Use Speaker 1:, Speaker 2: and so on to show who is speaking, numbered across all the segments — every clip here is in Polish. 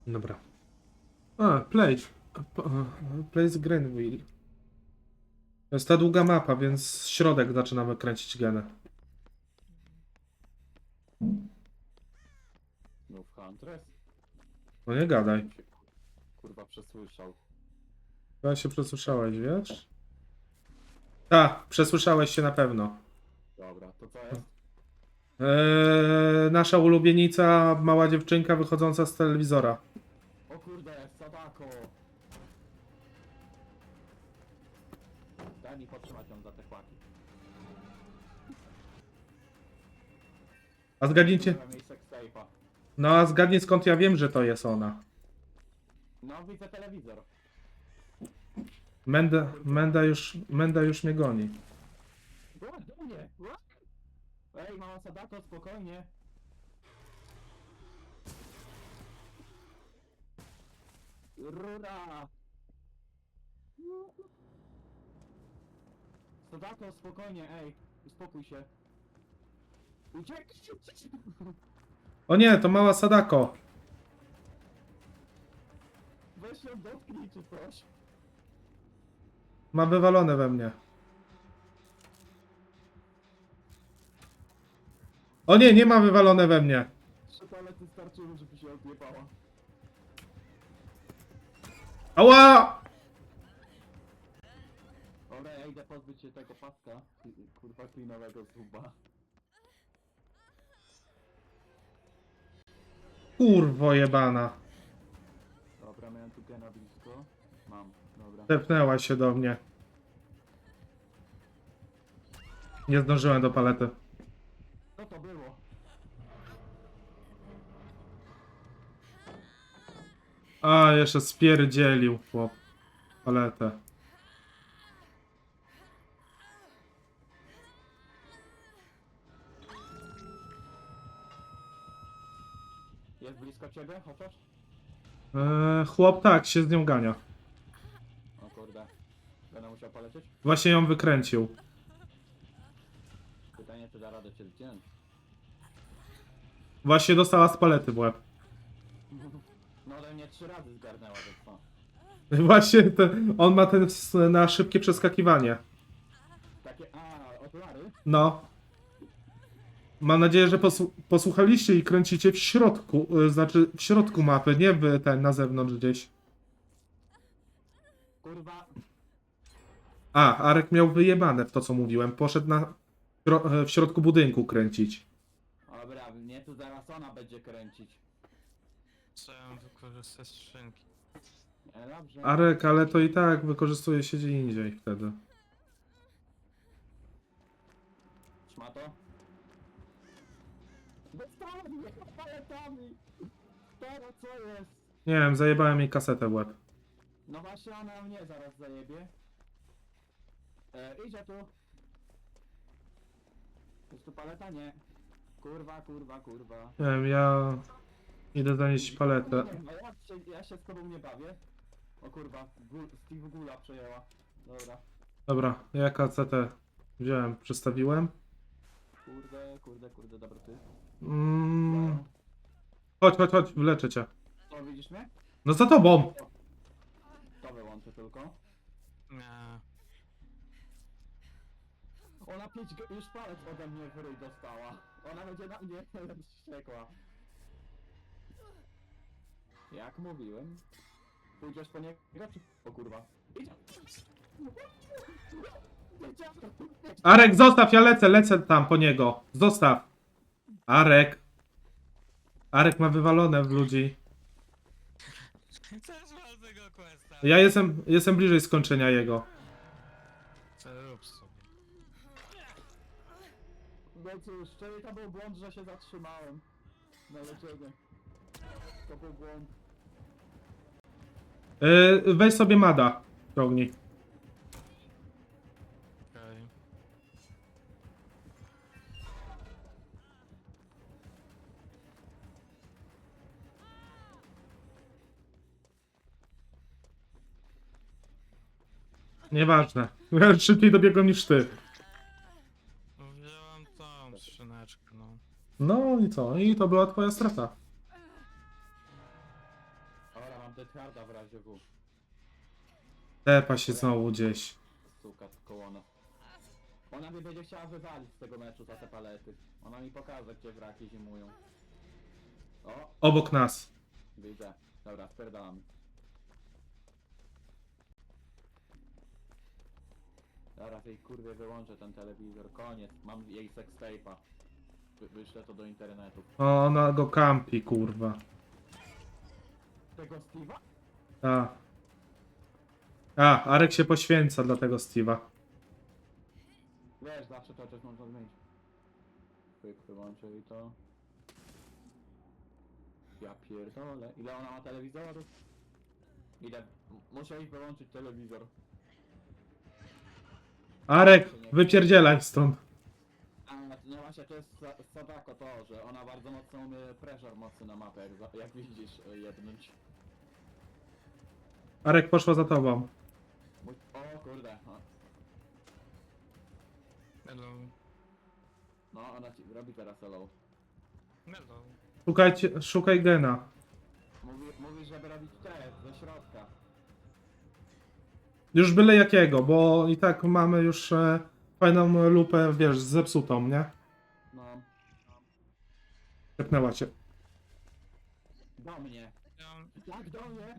Speaker 1: Dobra. A, place. Place Greenville. To jest ta długa mapa, więc środek zaczynamy kręcić genę.
Speaker 2: No w Huntress?
Speaker 1: No nie gadaj.
Speaker 2: Się, kurwa przesłyszał.
Speaker 1: Chyba się przesłyszałeś, wiesz? Tak, przesłyszałeś się na pewno.
Speaker 2: Dobra, to co jest?
Speaker 1: Nasza ulubienica, mała dziewczynka wychodząca z telewizora.
Speaker 2: O kurde, Sadako! Daj mi potrzymać ją za te kłaki.
Speaker 1: A zgadnijcie.
Speaker 2: Zrobiłem jej sextape'a.
Speaker 1: No a zgadnij skąd ja wiem, że to jest ona.
Speaker 2: No widzę telewizor.
Speaker 1: Menda już mnie goni.
Speaker 2: Była do mnie! Ła! Ej, mała Sadako, spokojnie. Rura! Sadako, spokojnie, ej, uspokój się. Uciekaj!
Speaker 1: O nie, to mała Sadako.
Speaker 2: Weź ją dotknij czy coś.
Speaker 1: Ma wywalone we mnie. O nie, nie ma wywalone we mnie.
Speaker 2: 3 palety starczyły, żeby się odjebała.
Speaker 1: Ała!
Speaker 2: Dobra, ja idę pozbyć się tego paska. Kurwa klinowego zuba.
Speaker 1: Kurwo jebana.
Speaker 2: Dobra, miałem tu gena blisko. Mam, dobra.
Speaker 1: Tepnęła się do mnie. Nie zdążyłem do palety.
Speaker 2: Co to było?
Speaker 1: A, jeszcze spierdzielił chłop. Paletę.
Speaker 2: Jest blisko ciebie, chociaż?
Speaker 1: Chłop tak, się z nią gania.
Speaker 2: O kurde. Będę musiał polecieć?
Speaker 1: Właśnie ją wykręcił.
Speaker 2: Pytanie, czy da radę cię zdjąć.
Speaker 1: Właśnie dostała z palety w łeb.
Speaker 2: No ode mnie 3 razy zgarnęła, to co?
Speaker 1: Właśnie on ma ten na szybkie przeskakiwanie.
Speaker 2: Takie, okulary?
Speaker 1: No. Mam nadzieję, że posłuchaliście i kręcicie w środku, znaczy w środku mapy, nie na zewnątrz gdzieś.
Speaker 2: Kurwa.
Speaker 1: Arek miał wyjebane w to, co mówiłem. Poszedł w środku budynku kręcić.
Speaker 2: Dobra, mnie tu zaraz ona będzie kręcić.
Speaker 3: Trzeba wykorzystać skrzynki.
Speaker 2: Dobrze.
Speaker 1: Arek, ale to i tak wykorzystuje się gdzie indziej wtedy.
Speaker 2: Szmato? Dostałem mnie paletami! Teraz co jest?
Speaker 1: Nie wiem, zajebałem jej kasetę w łeb.
Speaker 2: No właśnie ona mnie zaraz zajebie. Idzie tu. Jest tu paleta? Nie. Kurwa, kurwa, kurwa.
Speaker 1: Nie wiem, ja idę zanieść paletę.
Speaker 2: Nie wiem, ja się z tobą nie bawię. O kurwa, Steve Gula przejęła. Dobra.
Speaker 1: Dobra, ja kasetę wziąłem, przestawiłem.
Speaker 2: Kurde, dobra ty.
Speaker 1: Chodź, wleczę cię.
Speaker 2: O, widzisz mnie?
Speaker 1: No za tobą!
Speaker 2: To wyłączę tylko.
Speaker 3: Nie.
Speaker 2: Ona 5 już palec ode mnie w ryj dostała. Ona będzie na mnie wściekła. Jak mówiłem. Pójdziesz po niego czy... O kurwa. Idzie.
Speaker 1: Arek, zostaw, ja lecę tam po niego. Zostaw. Arek. Arek ma wywalone w ludzi.
Speaker 3: Też mam tego questa.
Speaker 1: Ja jestem bliżej skończenia jego.
Speaker 3: Co rób sobie.
Speaker 2: No cóż, czyli to był błąd, że się zatrzymałem. Na leczenie. To był błąd.
Speaker 1: Weź sobie Mada. Ciągnij.
Speaker 3: Okej.
Speaker 1: Nieważne. Ja szybciej dobiegłem niż ty.
Speaker 3: Wziąłem tą skrzyneczkę, no.
Speaker 1: No i co? I to była twoja strata.
Speaker 2: mam Deathharda w razie W.
Speaker 1: Tepa się znowu gdzieś.
Speaker 2: Suka koło nas. Ona mnie będzie chciała wywalić z tego meczu za te palety. Ona mi pokaże, gdzie wraki zimują. O,
Speaker 1: Obok nas.
Speaker 2: widzę. Dobra, spierdalam. Zaraz jej kurwie wyłączę ten telewizor. Koniec. Mam jej sextape'a. Wyślę to do internetu.
Speaker 1: O, ona go kampi, kurwa.
Speaker 2: Tego Steve'a?
Speaker 1: Ta. A, Arek się poświęca dla tego Steve'a.
Speaker 2: Wiesz, zawsze to coś można zmienić. Pyk, wyłączę i to. Ja pierdolę. Ile ona ma telewizorów? Ile? Muszę iść wyłączyć telewizor.
Speaker 1: Arek, wypierdzielaj stąd.
Speaker 2: A, no właśnie, to jest Sadako to, że ona bardzo mocno umie pressure mocny na mapę, jak widzisz, jebnąć.
Speaker 1: Arek poszła za tobą.
Speaker 2: O kurde,
Speaker 3: Hello.
Speaker 2: no ona ci robi teraz hello.
Speaker 3: Hello.
Speaker 1: Szukaj gena.
Speaker 2: Mówi, żeby robić te, ze środka.
Speaker 1: Już byle jakiego, bo i tak mamy już fajną lupę, wiesz, zepsutą, nie?
Speaker 2: No,
Speaker 1: Zepnęła cię.
Speaker 2: do mnie.
Speaker 3: Ja,
Speaker 2: Jak do mnie?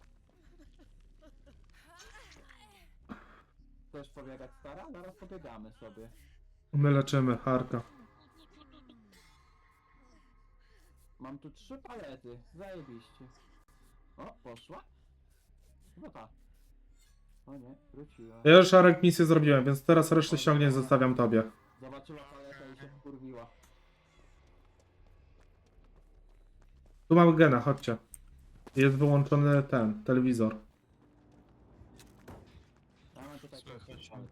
Speaker 2: Chcesz pobiegać stara? Zaraz pobiegamy sobie.
Speaker 1: My leczymy Arka.
Speaker 2: Mam tu 3 palety, zajebiście. O, poszła? Chyba ta. O nie, wróciła.
Speaker 1: Ja już Arek misję zrobiłem, więc teraz resztę ściągnięć zostawiam tobie.
Speaker 2: Zobaczyła paletę i się wkurwiła.
Speaker 1: Tu mamy gena, chodźcie. Jest wyłączony ten, telewizor.
Speaker 2: Ja mam tutaj
Speaker 3: Słychać.
Speaker 2: coś.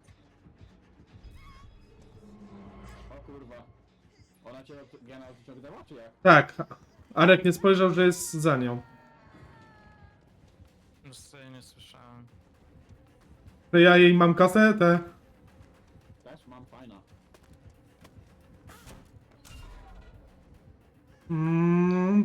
Speaker 2: O kurwa. Ona cię od gena wyciągnęła, czy jak?
Speaker 1: Tak, Arek nie spojrzał, że jest za nią.
Speaker 3: już sobie nie słyszałem.
Speaker 1: To ja jej mam kasetę.
Speaker 2: Też mam, fajna.
Speaker 1: Mm,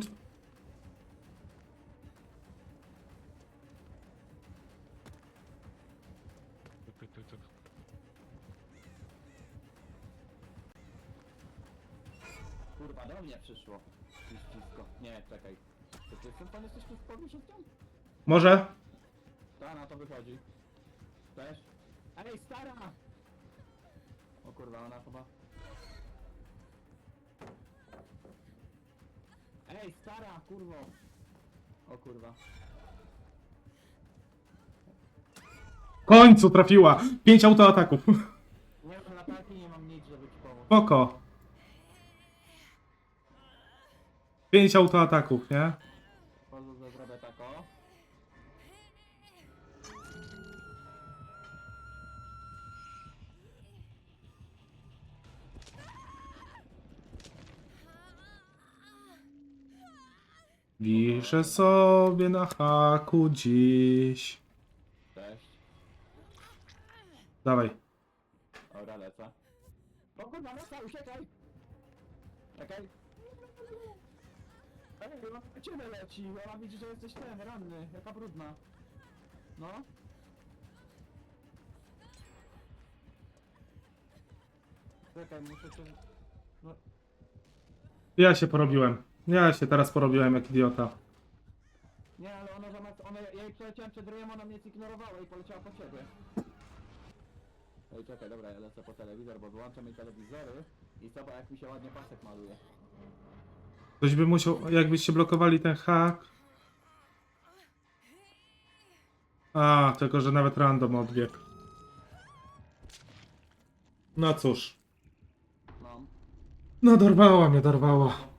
Speaker 2: Kurwa, do mnie przyszło. Ścisko. Nie, czekaj. To ty pan jesteś tu w pobliżu tam?
Speaker 1: może?
Speaker 2: Ta, na to wychodzi. Też? Ej, stara! O kurwa, ona chyba... Ej, stara, kurwo! O kurwa.
Speaker 1: W końcu trafiła! 5 autoataków.
Speaker 2: Nie mam latarki, nie mam nic, żeby ci pomóc.
Speaker 1: Spoko. 5 autoataków, nie?
Speaker 2: Pozwól, że zrobię tak, o.
Speaker 1: Wiszę sobie na haku dziś.
Speaker 2: Cześć.
Speaker 1: Dawaj.
Speaker 2: Dobra, lecę. O kurwa, lecę, uciekaj! Czekaj. Ej, ona na ciebie leci, ona widzi, że jesteś ten, ranny, jaka brudna. No. Czekaj, muszę cię... No,
Speaker 1: Ja się porobiłem. Ja się teraz porobiłem jak idiota.
Speaker 2: nie, ale ona zamiast... ja jej przeleciałem przed ryjem, ona mnie zignorowała i poleciała po ciebie. Ej, czekaj, dobra, ja lecę po telewizor, bo wyłączam jej telewizory i zobacz, jak mi się ładnie pasek maluje.
Speaker 1: Ktoś by musiał, jakbyście blokowali ten hak. A, tylko że nawet random odbiegł. No cóż.
Speaker 2: No.
Speaker 1: No dorwała mnie, dorwała.